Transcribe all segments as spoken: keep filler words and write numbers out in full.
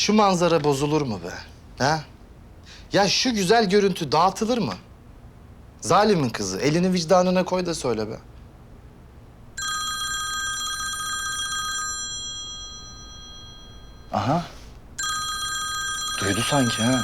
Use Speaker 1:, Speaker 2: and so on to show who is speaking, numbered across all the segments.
Speaker 1: şu manzara bozulur mu be? Ha? Ya şu güzel görüntü dağıtılır mı? Zalimin kızı, elini vicdanına koy da söyle be. Aha. Duydu sanki ha.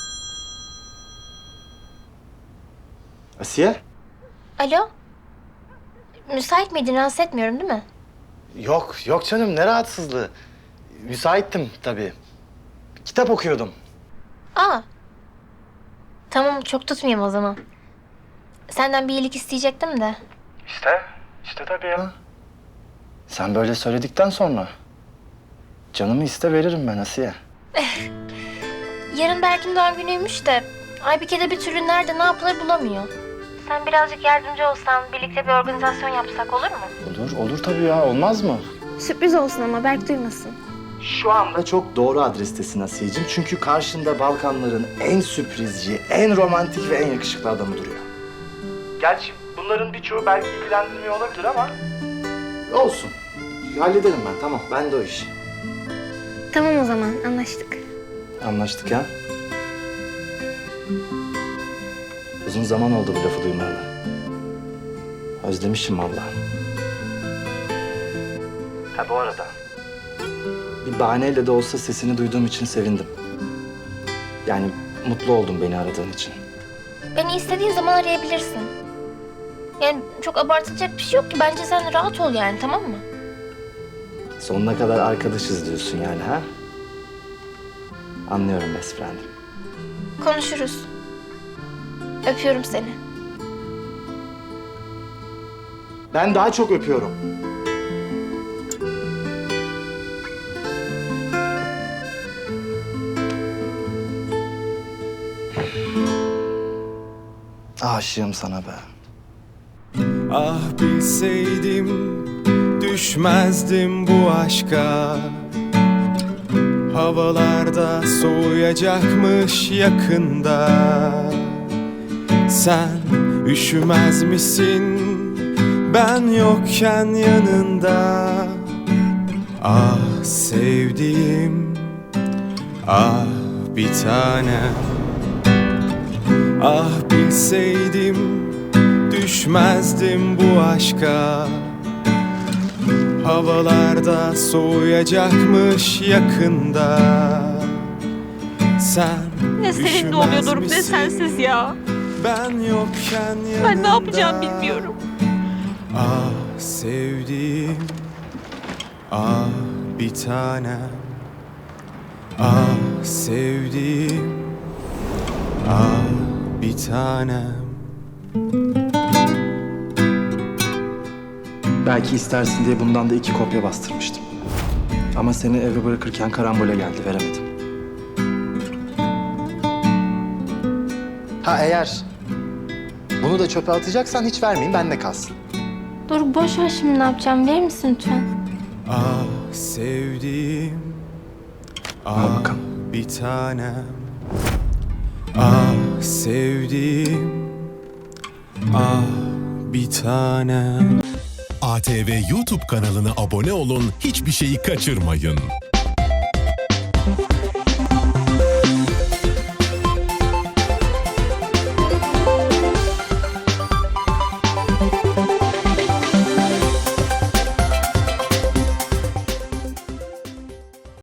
Speaker 1: Asiye?
Speaker 2: Alo? Müsait miydin? Rahatsız etmiyorum değil mi?
Speaker 1: Yok, yok canım. Ne rahatsızlığı. Müsaittim tabii. Kitap okuyordum.
Speaker 2: Aa. Tamam, çok tutmayayım o zaman. Senden bir iyilik isteyecektim de.
Speaker 1: İşte, işte tabii ya. Sen böyle söyledikten sonra canımı iste veririm ben Asiye.
Speaker 2: Yarın Berk'in doğum günüymüş de Aybike de bir türlü nerede ne yapılır bulamıyor. Sen birazcık yardımcı olsan, birlikte bir organizasyon yapsak olur mu?
Speaker 1: Olur, olur tabii ya. Olmaz mı?
Speaker 2: Sürpriz olsun ama Berk duymasın.
Speaker 1: Şu anda çok doğru adrestesin Asiye'cim. Çünkü karşında Balkanların en sürprizci, en romantik ve en yakışıklı adamı duruyor. Gerçi bunların birçoğu belki ilgilendirmiyor olabilir ama... Olsun. Hallederim ben, tamam. Ben de o iş.
Speaker 2: Tamam o zaman, anlaştık.
Speaker 1: Anlaştık ya. Uzun zaman oldu bu lafı duymayalı. Özlemişim vallahi. Ha bu arada... Bir bahaneyle de olsa sesini duyduğum için sevindim. Yani mutlu oldum beni aradığın için.
Speaker 2: Beni istediğin zaman arayabilirsin. Yani çok abartılacak bir şey yok ki. Bence sen rahat ol yani, tamam mı?
Speaker 1: Sonuna kadar arkadaşız diyorsun yani ha? Anlıyorum best friend'im.
Speaker 2: Konuşuruz. Öpüyorum seni.
Speaker 1: Ben daha çok öpüyorum. Aşığım sana be.
Speaker 3: Ah bilseydim düşmezdim bu aşka. Havalarda soğuyacakmış yakında. Sen üşümez misin ben yokken yanında? Ah sevdiğim, ah bir tanem. Ah bilseydim düşmezdim bu aşka. Havalarda soğuyacakmış yakında. Sen
Speaker 4: Ne seninle oluyor Doruk, ne sensiz ya.
Speaker 3: Ben yokken yanında.
Speaker 4: Ben ne yapacağım bilmiyorum.
Speaker 3: Ah sevdiğim, ah bir tanem. Ah sevdiğim, ah bir tanem.
Speaker 1: Belki istersin diye bundan da iki kopya bastırmıştım. Ama seni eve bırakırken karambole geldi, veremedim. Ha eğer bunu da çöpe atacaksan hiç vermeyeyim, bende kalsın.
Speaker 2: Doruk boş ver şimdi, ne yapacağım? Verir misin lütfen?
Speaker 3: Ah sevdiğim, ah
Speaker 1: bakalım.
Speaker 3: bir tanem. Ah sevdiğim, ah bir tanem.
Speaker 5: A T V YouTube kanalına abone olun, hiçbir şeyi kaçırmayın.